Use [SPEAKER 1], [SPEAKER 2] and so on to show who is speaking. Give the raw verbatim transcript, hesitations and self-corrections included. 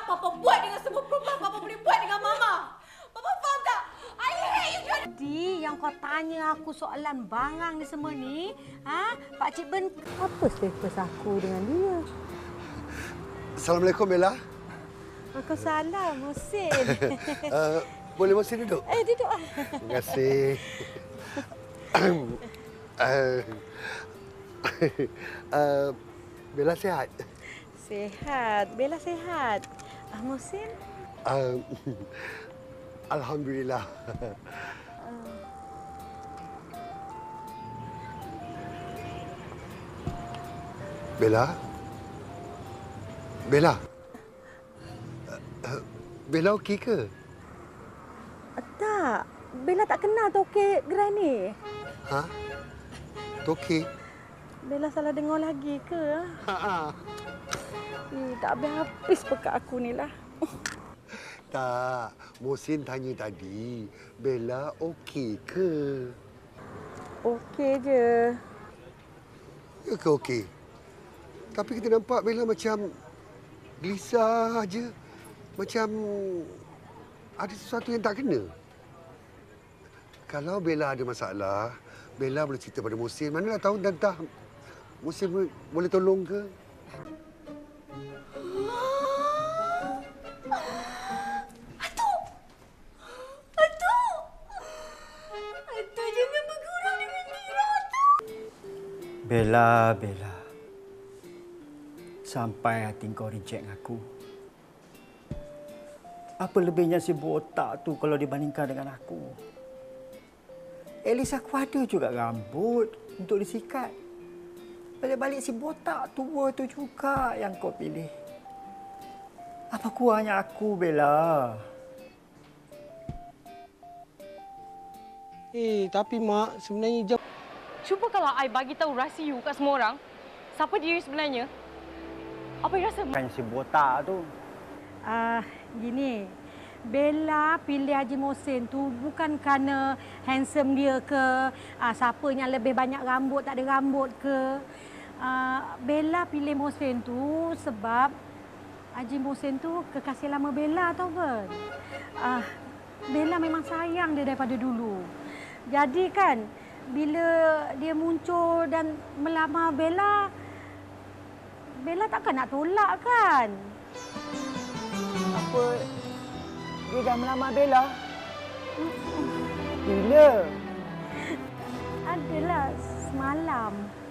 [SPEAKER 1] Papa buat dengan semua perempuan, Papa boleh buat dengan Mama. Papa faham tak? I hate you.
[SPEAKER 2] Jadi yang kau tanya aku soalan bangang ni semua ni, ha? Pak Cik Ben, apa status aku dengan dia?
[SPEAKER 3] Assalamualaikum, Bella.
[SPEAKER 2] Waalaikumsalam, Muhsin.
[SPEAKER 3] uh, boleh Muhsin duduk?
[SPEAKER 2] Eh, duduk.
[SPEAKER 3] Terima kasih. uh, uh, Bella sihat?
[SPEAKER 2] Sihat. Bella sihat. Ah, Muhsin?
[SPEAKER 3] Uh, Alhamdulillah. Bella? Bella? Uh, uh, Bella okey ke?
[SPEAKER 2] Tak. Bella tak kenal Tokek Gerai ni.
[SPEAKER 3] Ha? Okey.
[SPEAKER 2] Bella salah dengar lagi ke?
[SPEAKER 3] Ha.
[SPEAKER 2] Eh, tak habis-habis pekat aku ni lah.
[SPEAKER 3] Tak. Muhsin tanya tadi, Bella okey ke?
[SPEAKER 2] Okey je.
[SPEAKER 3] Ya ke okey? Tapi kita nampak Bella macam gelisah aja. Macam ada sesuatu yang tak kena. Kalau Bella ada masalah, Bella boleh cerita pada Muhsin. Manalah tahu dan entah Muhsin boleh tolong ke?
[SPEAKER 1] Atuk! Atuk! Atuk jangan bergurau dengan Tira, Atuk!
[SPEAKER 4] Bella, Bella. Sampai hati kau reject aku. Apa lebihnya si botak tu kalau dibandingkan dengan aku? At least aku ada juga rambut untuk disikat. Balik-balik si botak tua tu juga yang kau pilih. Apa kurangnya aku, Bella?
[SPEAKER 5] Eh, tapi Mak, sebenarnya jam...
[SPEAKER 6] Cuba kalau I bagi tahu rahsia you kat semua orang, siapa diri sebenarnya? Apa you rasa?
[SPEAKER 4] Kan si botak tu.
[SPEAKER 2] Ah, uh, gini. Bella pilih Haji Muhsin tu bukan kerana handsome dia ke, uh, siapa yang lebih banyak rambut, tak ada rambut ke. Uh, Bella pilih Muhsin tu sebab Haji Muhsin tu kekasih lama Bella, tau kan? Uh, Bella memang sayang dia daripada dulu. Jadi kan, bila dia muncul dan melamar Bella, Bella takkan nak tolak kan?
[SPEAKER 4] Apa? Dia dah melamar Bella? Bila?
[SPEAKER 2] Adalah semalam.